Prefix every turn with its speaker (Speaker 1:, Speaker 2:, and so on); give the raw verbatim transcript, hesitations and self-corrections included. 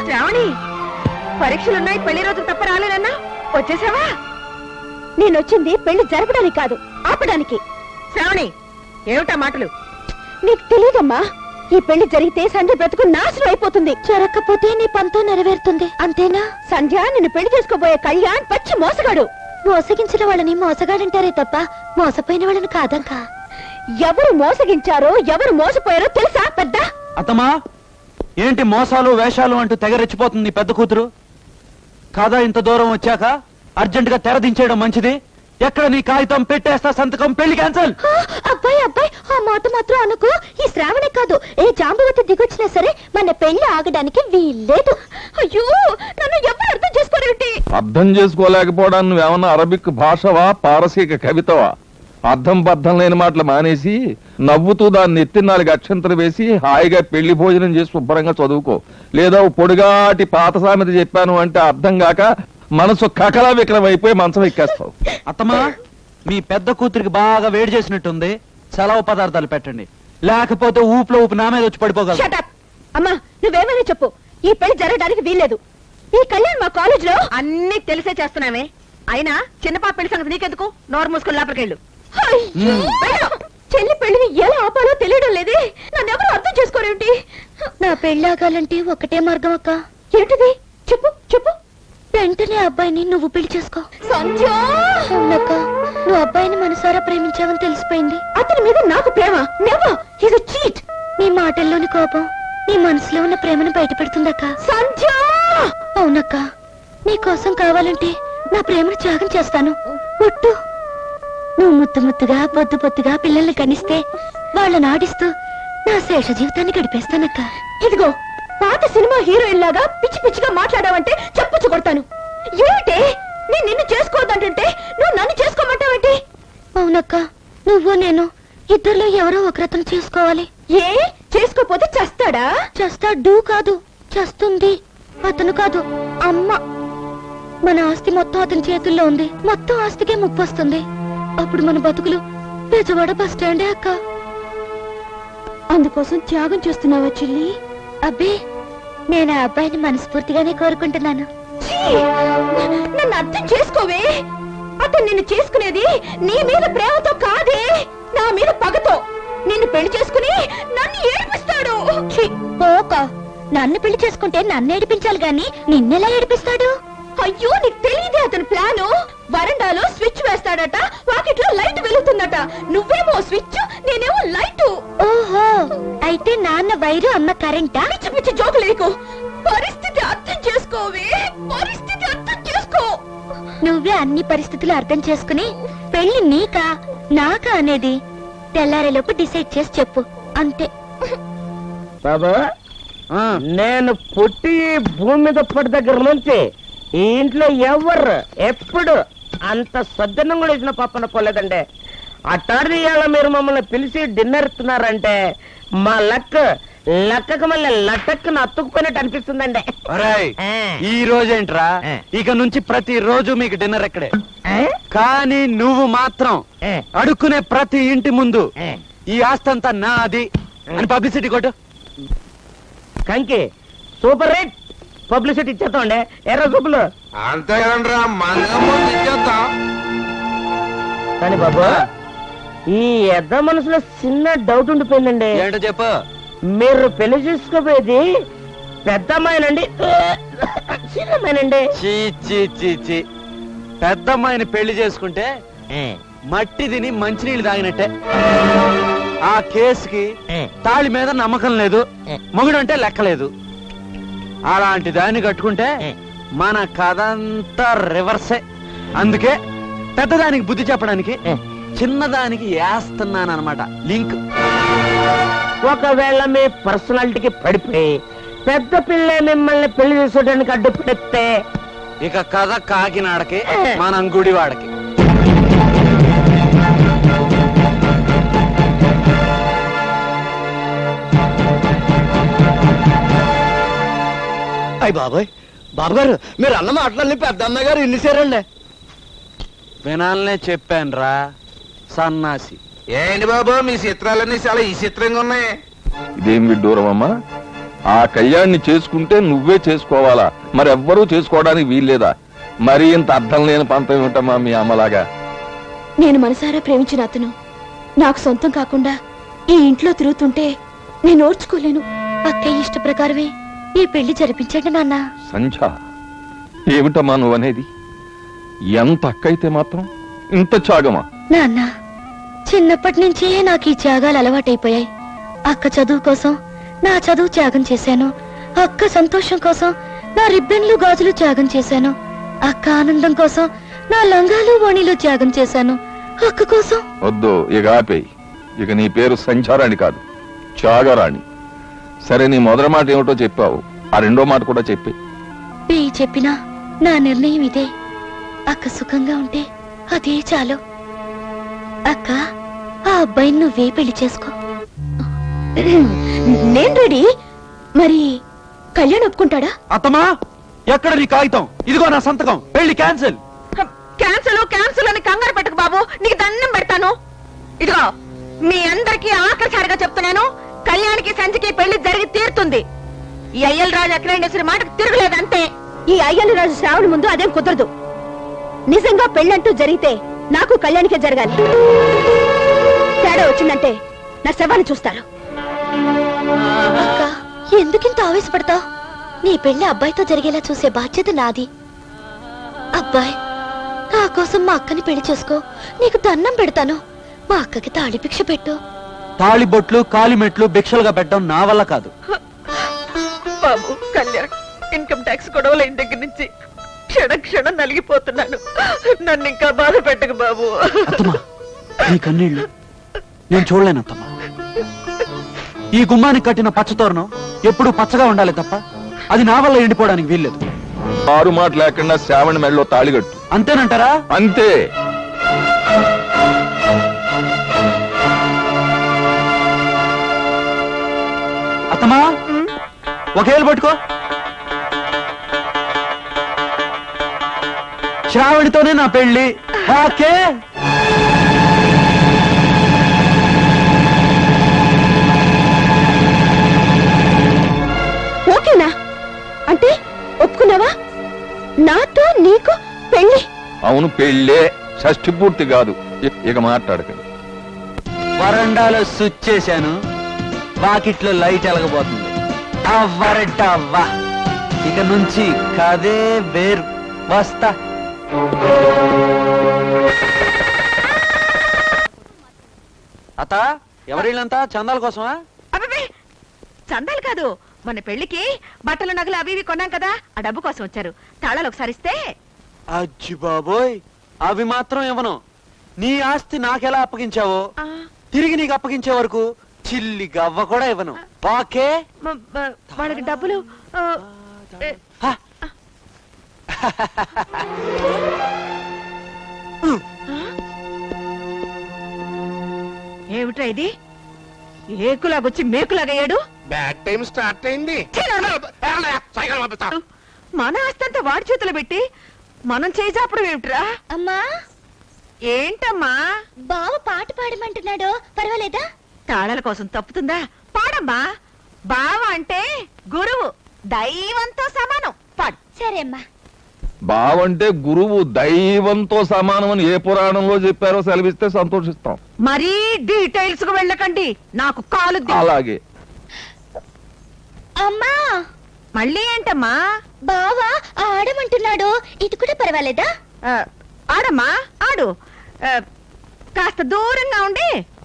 Speaker 1: శ్రావణి, పరీక్షలున్నాయి, పెళ్లి రోజు తప్ప రాలేనన్నా వచ్చేసావా? నేనొచ్చింది పెళ్లి జరపడానికి కాదు, ఆపడానికి. శ్రావణి, ఏమిటా మాటలు? నీకు తెలియదమ్మా, ఈ పెళ్లి జరిగితే సంధ్య బ్రతుకు నాశనం అయిపోతుంది. జరగకపోతే నీ పంతో నెరవేరుతుంది, అంతేనా? సంధ్య నిన్ను పెళ్లి చేసుకోబోయే కళ్యాణ్ పచ్చి మోసగాడు. మోసగించిన వాళ్ళని మోసగాడంటారే తప్ప మోసపోయిన వాళ్ళని కాదంకా. ఎవరు మోసగించారో ఎవరు మోసపోయారో తెలుసా పెద్ద?
Speaker 2: అత్తమా, ఏంటి మోసాలు వేషాలు అంటూ తెగరెచ్చిపోతుంది పెద్ద కూతురు? కాదా ఇంత దూరం వచ్చాక అర్జెంట్ గా తెరదించేయడం మంచిది. ఎక్కడ నీ కాగితం పెట్టేస్తా, సంతకం, పెళ్లి క్యాన్సల్.
Speaker 1: అబ్బాయి అబ్బాయి, ఆ మాట మాత్రం అనుకో. ఈ శ్రావణే కాదు, ఏ జాంబవతి దిగొచ్చినా సరే మన పెళ్లి ఆగడానికి వీల్లేదు. అయ్యో, నన్ను ఎవరు అర్థం చేసుకోరేంటి?
Speaker 3: అర్థం చేసుకోలేకపోవడానికి నువ్వేమన్నా అరబిక్ భాషవా, పారసీక కవితవా? అర్థం బద్ధం లేని మాటలు మానేసి నవ్వుతూ దాన్ని ఎత్తి నాలుగు అక్షంతలు వేసి హాయిగా పెళ్లి భోజనం చేసి శుభ్రంగా చదువుకో. లేదా పొడుగాటి పాత సామెత చెప్పాను అంటే అర్థం కాక మనసు కకలా వికలం అయిపోయి మంచం ఎక్కేస్తావు.
Speaker 2: అత్తమా, మీ పెద్ద కూతురికి బాగా వేడి చేసినట్టుంది, సెలవు పదార్థాలు పెట్టండి, లేకపోతే ఊపులో ఊపి నా మీద వచ్చి పడిపోగలరు.
Speaker 1: అమ్మా, నువ్వేమైనా చెప్పు, ఈ పెళ్లి జరగడానికి వీల్లేదు. ఈ కళ్యాణ్ మా కాలేజ్ లో అన్ని తెలిసే చేస్తున్నామే. అయినా చిన్నపాప పెళ్లి సంగతి నీకెందుకు? నోరు మూసుకుని లోపలికెళ్ళు. చెల్లి పెళ్లిని ఎలా ఆపాలో తెలియడం లేదే. నన్నెవరు అర్థం చేసుకోరేంటి? నా పెళ్లి ఆగాలంటే ఒకటే మార్గం అక్క. ఏంటిది? చెప్పు చెప్పు. వెంటనే అబ్బాయిని నువ్వు పెళ్లి చేసుకో. సంధ్య, అవునక్క, నువ్వు అబ్బాయిని మనసారా ప్రేమించావని తెలిసిపోయింది. అతని మీద నాకు ప్రేమ నెవర్. He's a cheat. నీ మాటల్లోని కోపం నీ మనసులో ఉన్న ప్రేమను బయటపెడుతుందక్క. సంధ్య, అవునక్క, నీ కోసం కావాలంటే నా ప్రేమను త్యాగం చేస్తాను. ఒట్టు. నువ్వు ముత్తు ముత్తుగా బొద్దు బొత్తుగా పిల్లల్ని కనిస్తే వాళ్ళని ఆడిస్తూ నా శేష జీవితాన్ని గడిపేస్తానక్క. ఇదిగో, పాత సినిమా హీరోయిన్ లాగా పిచ్చి పిచ్చిగా మాట్లాడావంటే చెప్పుచ్చు కొడతాను. ఏమిటే, నేను నిన్ను చేసుకోవద్దంటుంటే నువ్వు నన్ను చేసుకోమంటావేంటి? అవునక్క, నువ్వు నేను ఇద్దరిలో ఎవరో ఒకరతను చేసుకోవాలి. ఏ చేసుకోపోతే చస్తాడా? చస్తాడు కాదు, చస్తుంది. అతను కాదు, అమ్మ. మన ఆస్తి మొత్తం అతని చేతుల్లో ఉంది. మొత్తం ఆస్తికే ముప్పు వస్తుంది. అప్పుడు మన బతుకులు బెజవాడ బస్ స్టాండే అక్క. అందుకోసం త్యాగం చేస్తున్నావా చెల్లి? అబ్బే, నేను ఆ అబ్బాయిని మనస్ఫూర్తిగానే కోరుకుంటున్నాను. నన్ను అర్థం చేసుకోవే. అతను నిన్ను చేసుకునేది నీ మీద ప్రేమతో కాదే, నా మీద పగతో. నిన్ను పెళ్లి చేసుకుని నన్ను ఏడిపిస్తాడు. పోక, నన్ను పెళ్లి చేసుకుంటే నన్ను ఏడిపించాలి గాని నిన్నెలా ఏడిపిస్తాడు? అయ్యో, నీకు తెలియదే అతని ప్లాను. వరండాలో స్విచ్ వేస్తాడట, వాకిట్లో లైట్ వెలుగుతుందట. నువ్వేమో స్విచ్, నేనేమో లైట్. ఓహో, అయితే నాన్న వైరు, అమ్మ కరెంటా? పిచ్చి పిచ్చి జోకు లేకు. పరిస్థితి అర్థం చేసుకోవే, పరిస్థితి అర్థం చేసుకో. నువ్వే అన్ని పరిస్థితులు అర్థం చేసుకుని పెళ్లి నీకా నాకా అనేది తెల్లారేలోపు డిసైడ్ చేసి చెప్పు, అంతే.
Speaker 4: బాబా, నేను పుట్టి భూమి మీద పడి దగ్గర నుంచి ఈ ఇంట్లో ఎవరు ఎప్పుడు అంత సద్దన్నం కూడా ఇచ్చిన పప్పన పోలేదండి. అట్టాడి ఇవాళ మీరు మమ్మల్ని పిలిచి డిన్నర్ ఇస్తున్నారంటే మా లక్ లక్కకు మళ్ళీ లటక్కున అతుక్కుపోయినట్టు అనిపిస్తుందండి.
Speaker 2: ఈ రోజేంట్రా, ఇక నుంచి ప్రతి రోజు మీకు డిన్నర్ ఎక్కడే. కానీ నువ్వు మాత్రం అడుక్కునే ప్రతి ఇంటి ముందు ఈ ఆస్తంతా నాది అని పబ్లిసిటీ కొట్టు.
Speaker 4: కంకి సూపర్ రేట్ పబ్లిసిటీ ఇచ్చేస్తామండి. ఎర్ర చూపులు
Speaker 5: అంతే కదండ్రా, ఇచ్చేద్దాం.
Speaker 4: కానీ బాబు, ఈ ఎద్ద మనసులో చిన్న డౌట్ ఉండిపోయిందండి.
Speaker 2: ఏంటో చెప్పు.
Speaker 4: మీరు పెళ్లి చేసుకోపోయేది పెద్ద అమ్మాయినండి చిన్నమ్మాయినండి?
Speaker 2: చీ చీ చీ చీ, పెద్ద అమ్మాయిని పెళ్లి చేసుకుంటే మట్టి తిని మంచినీళ్ళు తాగినట్టే. ఆ కేసుకి తాళి మీద నమ్మకం లేదు, మొగుడంటే లెక్కలేదు. అలాంటి దాన్ని కట్టుకుంటే మన కథంతా రివర్సే. అందుకే పెద్దదానికి బుద్ధి చెప్పడానికి చిన్నదానికి వేస్తున్నానమాట లింక్.
Speaker 4: ఒకవేళ మీ పర్సనాలిటీకి పడిపోయి పెద్ద పిల్ల మిమ్మల్ని పెళ్లి చేసుకోవడానికి అడ్డుపడితే
Speaker 2: ఇక కథ కాకినాడకి, మనం గుడివాడకి.
Speaker 6: అయ్య బాబాయ్, బాబుగారు మీరు అన్న మాటలన్నీ పెద్ద అమ్మాయి గారు ఇన్నిసారండి.
Speaker 2: వినాలనే చెప్పాను రా సన్నాసి.
Speaker 5: ఏంటి బాబు, మీ చిత్రాలన్నీ చాలా ఈ చిత్రంగా ఉన్నాయి.
Speaker 3: ఇదేం విడ్డూరం అమ్మా? ఆ కళ్యాణ్ని చేసుకుంటే నువ్వే చేసుకోవాలా, మరెవ్వరూ చేసుకోవడానికి వీల్లేదా? మరీ ఇంత అర్థం లేని పంతం ఏమిటమ్మా మీ అమ్మలాగా?
Speaker 1: నేను మనసారా ప్రేమించిన అతను నాకు సొంతం కాకుండా ఈ ఇంట్లో తిరుగుతుంటే నేను ఓర్చుకోలేను. అక్కయ్య ఇష్ట ప్రకారమే ఈ పెళ్లి జరిపించండి నాన్న.
Speaker 3: సంధ్య, ఏమిటమ్మా నువ్వనేది? ఎంత అక్కయితే మాత్రం ఇంత త్యాగమా?
Speaker 1: నాన్న, చిన్నప్పటి నుంచే నాకు ఈ త్యాగాలు అలవాటైపోయాయి. అక్క చదువు కోసం నా చదువు త్యాగం చేశాను. అక్క సంతోషం కోసం నా రిబ్బన్లు గాజులు త్యాగం చేశాను. అక్క ఆనందం కోసం నా లంగాలు ఓణీలు త్యాగం చేశాను. అక్క కోసం.
Speaker 3: వద్దు, ఇక ఆపేయి. ఇక నీ పేరు సంచారాణి కాదు, త్యాగరాణి. సరే, నీ మొదటి మాట ఏమిటో చెప్పావు, ఆ రెండో మాట కూడా చెప్పి.
Speaker 1: ఏ చెప్పినా నా నిర్ణయం ఇదే. అక్క సుఖంగా ఉంటే అదే చాలు. అక్క, ఆ అబ్బాయిని నువ్వే పెళ్లి చేసుకో. నేను రెడీ. మరి కళ్యాణ్ ఒప్పుకుంటాడా?
Speaker 2: అత్తమా, ఎక్కడ నీ కాగితం? ఇదిగో నా సంతకం. పెళ్లి క్యాన్సిల్.
Speaker 7: క్యాన్సల్ క్యాన్సల్ అని కంగారు పెట్టకు బాబు, నీకు దండం పెడతాను. ఇదిగో, మీ అందరికీ ఆఖరిసారిగా చెప్తున్నాను, కళ్యాణికి సంచికి పెళ్లి జరిగి తీరుతుంది. ఈ అయ్యల్ రాజు అఖిలేండేశ్వరి మాటకు తిరగలేదు అంతే.
Speaker 1: ఈ అయ్యలు రాజు శ్రావణి ముందు అదేం కుదరదు. నిజంగా పెళ్ళంటూ జరిగితే నాకు కళ్యాణికే జరగాలి. తేడా వచ్చిందంటే నా శవాన్ని చూస్తారు. అక్క, ఎందుకింత ఆవేశపడతావు? నీ పెళ్లి అబ్బాయితో జరిగేలా చూసే బాధ్యత నాది. అబ్బాయ్, నా కోసం మా అక్కని పెళ్లి చేసుకో. నీకు దండం పెడతాను. మా అక్కకి తాళి భిక్ష పెట్టు.
Speaker 2: తాళి బొట్లు కాలిమెట్లు భిక్షలుగా పెట్టడం నా వల్ల కాదు.
Speaker 7: బాబు కళ్యాణ్, ఇన్కమ్ ట్యాక్స్ గొడవలైన దగ్గర నుంచి క్షణ క్షణం నలిగిపోతున్నాను. నన్ను ఇంకా బాధ పెట్టకు బాబు.
Speaker 2: అత్తమా, నీ కన్నీళ్లు నేను చూడలేను అత్తమ్మా. ఈ గుమ్మానికి కట్టిన పచ్చతోరణం ఎప్పుడూ పచ్చగా ఉండాలి తప్ప అది నా వల్ల ఎండిపోవడానికి వీల్లేదు.
Speaker 3: ఆరు మాట లేకుండా శ్రావణి మెడలో తాళిగట్టు.
Speaker 2: అంతేనంటారా?
Speaker 3: అంతే.
Speaker 2: అత్తమా, ఒకేళ్ళు పట్టుకో. శ్రావణితోనే నా పెళ్లి. ఓకే.
Speaker 1: ఓకేనా? అంటే ఒప్పుకున్నావా? నాతో నీకు పెళ్లి?
Speaker 3: అవును, పెళ్ళే. షష్ఠి పూర్తి కాదు. ఇ- ఇక మాట్లాడకండి.
Speaker 2: వరండాలో స్విచ్ చేశాను, వాకిట్లో లైట్ ఎలగబోతుంది. అవ్వరటవ్వా, ఇక నుంచి కదే వేరు. వస్తా. అత్త, ఎవరిళ్ళంతా చందాల కోసమా?
Speaker 7: అబ్బే, చందాలు కాదు, మన పెళ్లికి బట్టలు నగలు అవి ఇవి కొన్నాం కదా, ఆ డబ్బు కోసం వచ్చారు. తాళాలు ఒకసారి ఇస్తే.
Speaker 2: అజ్జి బాబోయ్, అవి మాత్రం ఇవ్వను. నీ ఆస్తి నాకెలా అప్పగించావో
Speaker 7: ఆ,
Speaker 2: తిరిగి నీకు అప్పగించే వరకు చిల్లి గవ్వ కూడా ఇవ్వను. ఓకే?
Speaker 7: మ- మ- వాళ్ళకి డబ్బులు ఆ, ఏ,
Speaker 2: హ.
Speaker 7: ఏమిట్రా ఇది? ఏకులాగొచ్చి మేకులాగయ్యాడు.
Speaker 5: బ్యాడ్ టైం స్టార్ట్ అయింది. సైకిల్ పంపిస్తా.
Speaker 7: మన ఆస్తంతా వాడి చేతులు పెట్టి మనం చేసాపడం ఏమిట్రా?
Speaker 1: అమ్మా,
Speaker 7: ఏంటమ్మా?
Speaker 1: బావ పాట పాడమంటున్నాడు, పర్వాలేదా?
Speaker 7: తాళాల కోసం తప్పుతుందా? పాడమ్మా. బావ అంటే గురువు, దైవంతో సమానం. పాడు.
Speaker 1: సరే అమ్మా.
Speaker 3: బావంటే గురువు దైవంతో సమానం అని ఏ పురాణంలో చెప్పారో సెలవిస్తే సంతోషిస్తాం.
Speaker 7: మరీ డీటెయిల్స్ కు వెళ్ళకండి, నాకు కాలు ది-
Speaker 3: అలాగే.
Speaker 1: అమ్మా,
Speaker 7: మళ్ళీ ఏంటమ్మా?
Speaker 1: బావ ఆడమంటున్నాడు, ఇది కూడా పర్వాలేదా?
Speaker 7: ఆ, ఆడమ్మా ఆడు. ఆ, కాస్త దూరంగా ఉండి